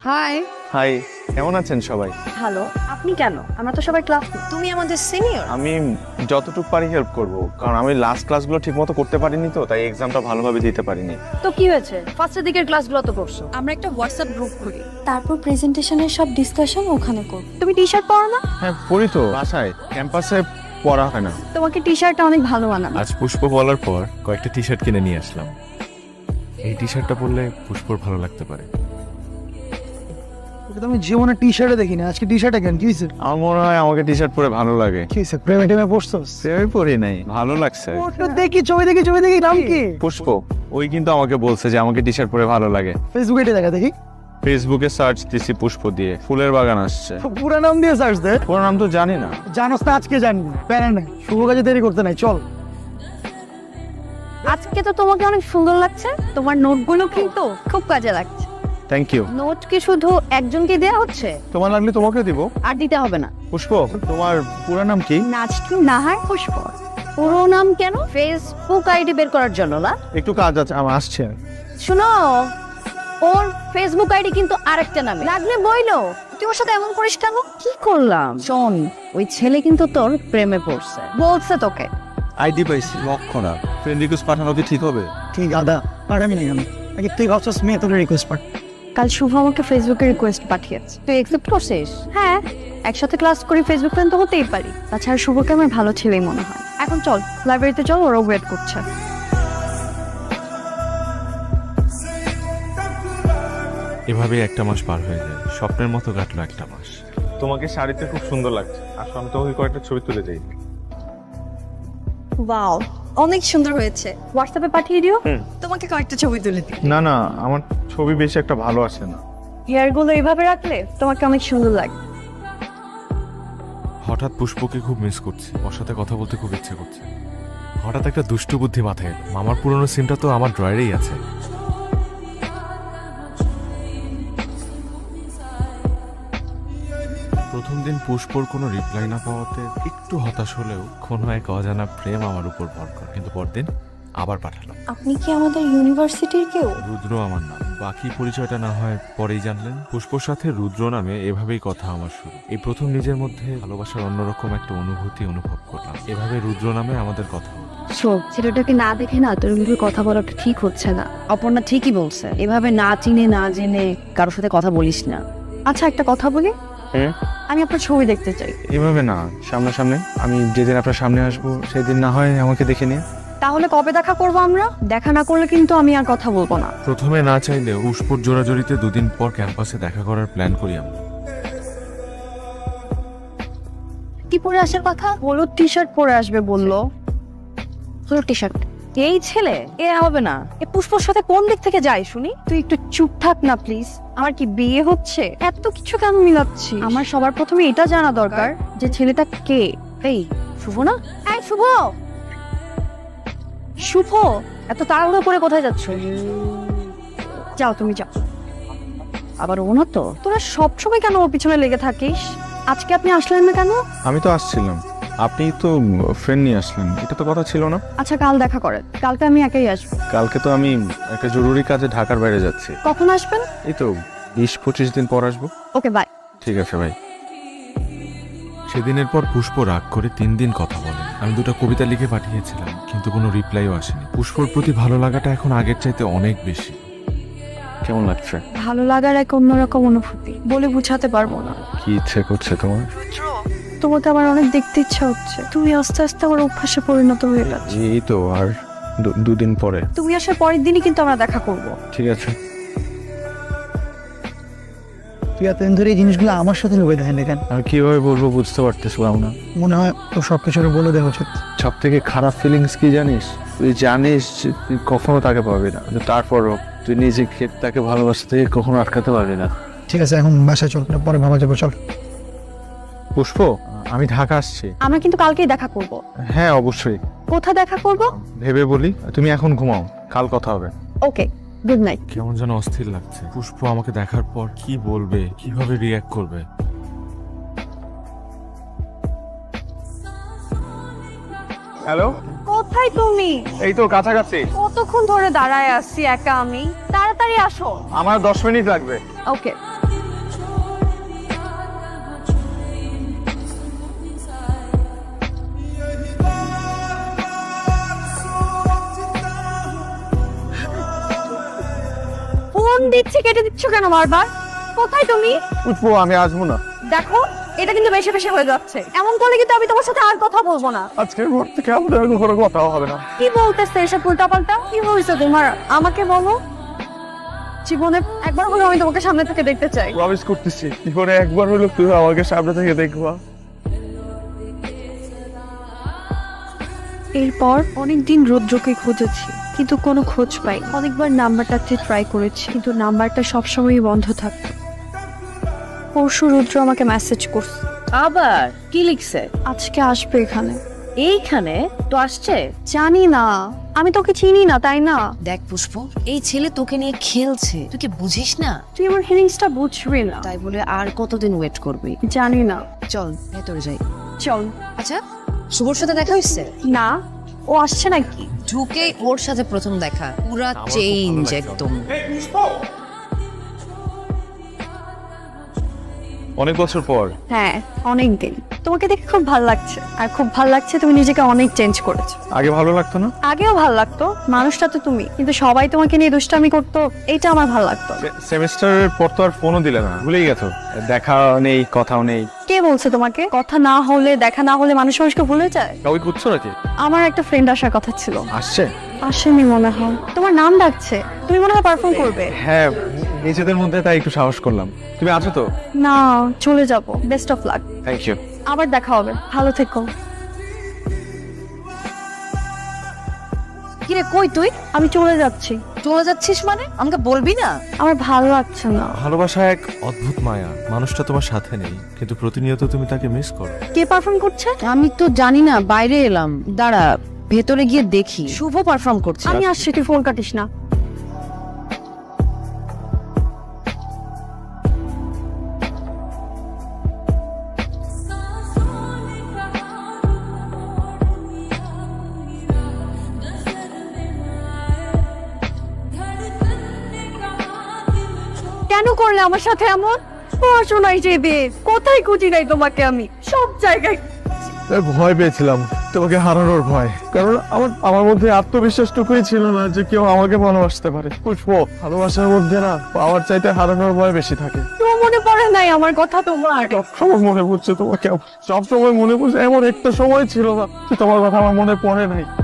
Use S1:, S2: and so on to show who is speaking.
S1: High.
S2: High, কেমন আছেন সবাই?
S1: হ্যালো। আপনি কেন? আমরা তো সবাই ক্লাস। তুমি আমাদের সিনিয়র।
S2: আমি যতটুকু পারি হেল্প করব, কারণ আমি লাস্ট ক্লাসগুলো ঠিকমতো করতে পারিনি, তো তাই এক্সামটা ভালোভাবে দিতে পারিনি।
S1: তো কি হয়েছে? ফার্স্টের দিকের ক্লাসগুলো তো করছো। আমরা একটা হোয়াটসঅ্যাপ গ্রুপ করি,
S3: তারপর প্রেজেন্টেশনের সব ডিসকাশন ওখানে করব।
S1: তুমি টি-শার্ট পরো না?
S2: হ্যাঁ পড়ি তো, বাসায় ক্যাম্পাসে পড়া হয় না।
S1: তোমাকে টি-শার্টটা অনেক ভালো মানাবে।
S4: আজ পুষ্প বলার পর কয়েকটা টি শার্ট কিনে নিয়ে আসলাম। এই টি শার্টটা পরলে পুষ্পর ভালো লাগতে পারে।
S5: তো আমি জীবনে টি শার্টে দেখি না, আজকে টি শার্টে কেন, কি হয়েছে?
S2: আমার মনে হয় আমাকে টি শার্ট পরে ভালো লাগে।
S5: কি হয়েছে, প্রেমে টেমে পড়ছস?
S2: আমি পরি নাই, ভালো লাগছে।
S5: ওটা দেখি, ছবি দেখি, নাম কি?
S2: পুষ্প, ওই কিন্তু আমাকে বলছে যে আমাকে টি শার্ট পরে ভালো লাগে।
S5: ফেসবুকে এটা দেখা দেখি।
S2: ফেসবুকে সার্চ দিছি পুষ্প দিয়ে, ফুলের বাগান আসছে।
S5: পুরো নাম দিয়ে সার্চ দে।
S2: পুরো নাম তো জানি না।
S5: জানোস না, আজকে জানবি, প্যারা নাই, শুভ কাজে দেরি করতে নাই, চল।
S1: আজকে তো তোমাকে অনেক সুন্দর লাগছে। তোমার নোটগুলো কিন্তু খুব কাজে লাগছে।
S2: Thank you.
S1: নোট কি শুধু একজনকে দেয়া হচ্ছে?
S2: তোমার লাগলে তোমাকে দিব।
S1: আর দিতে হবে না।
S2: পুষ্প, তোমার পুরো নাম কি?
S1: নাজকি নাহার পুষ্প। পুরো নাম কেন? ফেসবুক আইডি বের করার জন্য না?
S2: একটু কাজ আছে, আমার আসছে।
S1: শুনো, ওর ফেসবুক আইডি কিন্তু আরেকটা নামে। লাগলে বইলো। তুই ওর সাথে এমন করিস কেন? কি করলাম? শোন, ওই ছেলে কিন্তু তোর প্রেমে পড়ছে, বলছে তোকে।
S4: আইডি পাইছি, লক্ষণা। ফ্রেন্ড রিকোয়েস্ট পাঠানো কি ঠিক হবে?
S5: ঠিক আদা, পাঠাবি না কেন? আগে তুই ভাবছস মেয়ে তোর রিকোয়েস্ট পাঠ।
S1: কাল শুভ আমাকে ফেসবুকে রিকোয়েস্ট পাঠিয়েছে, তুই অ্যাকসেপ্ট করছিস? হ্যাঁ, একসাথে ক্লাস করি, ফেসবুক ফ্রেন্ড তো হতেই পারি। তাছাড়া শুভকে আমার ভালো ছেলেই মনে হয়। এখন চল লাইব্রেরিতে চল, ওরা ওয়েট করছে।
S4: এভাবে একটা মাস পার হয়ে যায়, স্বপ্নের মতো কাটলো একটা মাস।
S2: তোমাকে শাড়িতে খুব সুন্দর লাগছে। আসলে আমি তোমাকে কয়েকটা ছবি তুলে দেই।
S3: ওয়াও, অনেক সুন্দর হয়েছে।
S1: হোয়াটসঅ্যাপে পাঠিয়ে দিও।
S3: তোমাকে কয়েকটা ছবি তুলে দিই।
S2: না না, আমার ছবি বেশি একটা ভালো আসে না।
S1: হেয়ারগুলো এইভাবে রাখলে তোমাকে অনেক সুন্দর লাগে।
S4: হঠাৎ পুষ্পকে খুব মিস করছি, ওর সাথে কথা বলতে খুব ইচ্ছে করছে। হঠাৎ একটা দুষ্টু বুদ্ধি মাথায় এলো, মামার পুরনো সিমটা তো আমার ড্রয়ারেই আছে। প্রথম দিন পুষ্পর কোনো রিপ্লাই না পাওয়াতে একটু হতাশ হলেও কোনো এক অজানা প্রেম আমার উপর ভর করে। কিন্তু পরদিন আবার পাঠালাম।
S3: আপনি কি আমাদের ইউনিভার্সিটির কেউ?
S4: রুদ্র আমার নাম, বাকি পরিচয়টা না হয় পরেই জানলেন। পুষ্পর সাথে রুদ্র নামে এভাবেই কথা আমার শুরু। এই প্রথম নিজের মধ্যে ভালোবাসার অন্যরকম একটা অনুভূতি অনুভব করলাম। এভাবে রুদ্র নামে আমাদের কথা হলো।
S1: শোন, ছেলেটাকে না দেখে না তোর এভাবে কথা বলাটা ঠিক হচ্ছে না। অপর্ণা ঠিকই বলছে, এভাবে না চিনে না জেনে কারোর সাথে কথা বলিস না। আচ্ছা, একটা কথা বলি, আমি আপনার ছবি দেখতে চাই।
S2: এভাবে না, সামনাসামনি। আমি যেদিন আপনার সামনে আসবো সেদিন না হয় আমাকে দেখে নিয়ে।
S1: তাহলে কবে দেখা করবো আমরা? দেখা না করলে কিন্তু আমি আর কথা বলবো না।
S4: প্রথমে না চাইলেও পুষ্পর জোড়াজড়িতে দুদিন পর ক্যাম্পাসে দেখা করার প্ল্যান করি আমরা।
S1: কি পরে আসার কথা? হলুদ টি শার্ট পরে আসবে বললো। হলুদ টি শার্ট? এই ছেলে এ হবে না। এ পুষ্পর সাথে কোন দিক থেকে যায় শুনি? তুই একটু চুপ থাক না প্লিজ। আমার কি বিয়ে হচ্ছে? এত কিছু কেন মিলাচ্ছি? আমার সবার প্রথমে এটা জানা দরকার যে ছেলেটা কে। এই শুভ না? এই শুভ, শুভ, এত তাড়াহুড়ো করে কোথায় যাচ্ছ? যাও, তুমি যাও। আবার ও না তো, তোরা সবসময় কেন ওর পিছনে লেগে থাকিস? আজকে আপনি আসলেন না কেন?
S2: আমি তো আসছিলাম, আপনি তো ফ্রেন্ড নিয়ে আসলেন, এটা তো কথা ছিল না।
S1: আচ্ছা, কাল দেখা করেন। কালকে আমি একাই আসবো।
S2: কালকে তো আমি একটা জরুরি কাজে ঢাকার বাইরে যাচ্ছি।
S1: কখন আসবেন?
S2: এই তো 20-25 দিন পর আসবো।
S1: Okay, bye.
S2: ঠিক আছে ভাই।
S4: সেদিনের পর পুষ্প রাগ করে 3 দিন কথা বলে। আমি 2টা কবিতা লিখে পাঠিয়েছিলাম, কিন্তু কোনো রিপ্লাইও আসেনি। পুষ্পর প্রতি ভালো লাগাটা এখন আগের চাইতে অনেক বেশি।
S2: কেমন লাগছে?
S1: ভালো লাগার এক অন্যরকম অনুভূতি, বলে বুঝাতে পারবো না।
S2: কি ইচ্ছে করছে তোমার?
S1: তোমাকে আমার অনেক দেখতে ইচ্ছা হচ্ছে। তুমি আস্তে আস্তে আমার অভ্যাসে পরিণত হয়ে গেছে।
S2: এই তো আর 2 দিন পরে।
S1: তুমি আসার পরের দিনই কিন্তু আমরা দেখা করব।
S2: ঠিক আছে।
S5: তুই এতদিন ধরে এই জিনিসগুলো আমার সাথে লুকিয়ে দেখেন দেখেন,
S2: আর কিভাবে বলবো বুঝতে পারতেছিলাম না।
S5: মনে হয় তো সবকিছু বলে দেওয়া উচিত।
S2: সব থেকে খারাপ ফিলিংস কি জানিস? তুই জানিস যে তুই কখনো তাকে পাবি না, কিন্তু তারপরও তুই নিজেকে তাকে ভালোবাসা থেকে কখনো আটকাতে পারবি না।
S5: ঠিক আছে, এখন বাসায় চল, পরে ভাবা যাবো, চল।
S2: পুষ্প, আমি ঢাকা আসছি।
S1: আমরা কিন্তু কালকেই দেখা করব।
S2: হ্যাঁ অবশ্যই।
S1: কোথায় দেখা করব?
S2: ভেবে বলি, তুমি এখন ঘুমাও, কাল কথা হবে।
S1: Okay, good night.
S4: কেমন যেন অস্থির লাগছে। পুষ্প আমাকে দেখার পর কি বলবে, কিভাবে রিয়্যাক্ট করবে।
S2: হ্যালো,
S1: কোথায় তুমি?
S2: এই তো কাছাকাছি।
S1: কতক্ষণ ধরে দাঁড়ায় আছি একা আমি। তাড়াতাড়ি আসো।
S2: আমার 10 মিনিট লাগবে।
S1: ওকে। ফোন দিচ্ছি কেটে দিচ্ছ কেন বারবার? কোথায় তুমি?
S2: পুষ্প আমি আসবো না।
S1: দেখো এটা কিন্তু বেশি বেশি হয়ে যাচ্ছে। এমন করলে কিন্তু আমি তোমার সাথে আর কথা বলবো না।
S2: আজকের পর থেকে আমাদের আর কোনো কথাও হবে না।
S1: কি বলতেছে এসব উল্টাপাল্টা? কি হয়েছে তোমার? আমাকে বলো। জীবনে একবার হলেও আমি তোমাকে সামনে থেকে দেখতে চাই।
S2: প্রমিস করতেছি জীবনে একবার হলো তুই আমাকে সামনে থেকে দেখবা।
S1: এরপর অনেকদিন রুদ্রকে খুঁজেছি কিন্তু কোনো খোঁজ পাই। অনেকবার নাম্বারটাতে ট্রাই করেছি কিন্তু নাম্বারটা সবসময়ই বন্ধ থাকতো। পরশু রুদ্র আমাকে মেসেজ করছে,
S6: আবার কি লিখছে?
S1: আজকে আসবে এখানে।
S6: এইখানে তো আসছে।
S1: জানি না, আমি তোকে চিনি না তাই না?
S6: দেখ পুষ্প, এই ছেলে তোকে নিয়ে খেলছে, তুই কি বুঝিস না?
S1: তুই আমার ফিলিংসটা বুঝবি না।
S6: তাই বলে আর কতদিন ওয়েট করবি?
S1: জানি না,
S6: চল ভেতরে যাই।
S1: চল।
S6: আচ্ছা, শুভর সাথে দেখা হয়েছে?
S1: না, ও আসছে নাকি?
S6: ঢুকে ওর সাথে প্রথম দেখা, পুরা চেঞ্জ একদম।
S2: অনেক বছর পর।
S1: হ্যাঁ অনেক দিন। তোমাকে দেখে খুব ভালো লাগছে, আর খুব ভালো লাগছে তুমি নিজেকে অনেক চেঞ্জ করেছো।
S2: আগে ভালো লাগতো না?
S1: আগেও ভালো লাগতো, মানুষটা তো তুমি, কিন্তু সবাই তোমাকে নিয়ে দুষ্টামি করতো, এইটা আমার ভালো লাগতো না।
S2: সেমিস্টারের পর তো আর ফোনও দিলে না, ভুলেই গেছো। দেখা নেই, কথাও নেই।
S1: কে বলছে তোমাকে? কথা না হলে, দেখা না হলে মানুষ মানুষকে ভুলে যায়?
S2: কাউকে খুঁজছো নাকি?
S1: আমার একটা ফ্রেন্ড আসার কথা ছিল,
S2: আসছে?
S1: আসেনি মনে হয়। তোমার নাম ডাকছে, তুমি মনে হয় পারফর্ম করবে।
S2: হ্যাঁ, নিজেদের মধ্যে তাই একটু সাহস করলাম। তুমি আছো তো?
S1: না, চলে যাব। Best of luck.
S2: Thank you.
S1: আবার দেখা হবে, ভালো থেকো।
S6: কিরে কই তুই?
S1: আমি চলে যাচ্ছি।
S6: চলে যাচ্ছিস মানে? আমাকে বলবি না?
S1: আমার ভালো লাগছে না।
S4: ভালোবাসা এক অদ্ভুত মায়া। মানুষটা তোমার সাথে নেই কিন্তু প্রতিনিয়ত তুমি তাকে মিস করো।
S1: কে পারফর্ম করছে?
S6: আমি তো জানি না, বাইরে এলাম। দাঁড়া, ভেতরে গিয়ে দেখি। শুভ পারফর্ম করছে।
S1: আমি আসছি, তুই ফোন কাটিস না। কেন করলে আমার সাথে এমন? পড়াশোনায় যেবে কোথায় খুঁজি নাই তোমাকে, আমি সব জায়গায়।
S2: ভয় পেয়েছিলাম, তোমাকে হারানোর ভয়। কারণ আমার মধ্যে আত্মবিশ্বাসটুকুই ছিল না যে কেউ আমাকে ভালোবাসতে পারে। পুষ্প, ভালোবাসার মধ্যে না পাওয়ার চাইতে হারানোর ভয় বেশি থাকে।
S1: তোমার মনে পড়ে নাই আমার কথা তোমার?
S2: সবসময় মনে পড়ছে তোমাকে, সবসময় মনে পড়ছে। এমন একটা সময় ছিল না যে তোমার কথা আমার মনে পড়ে নাই।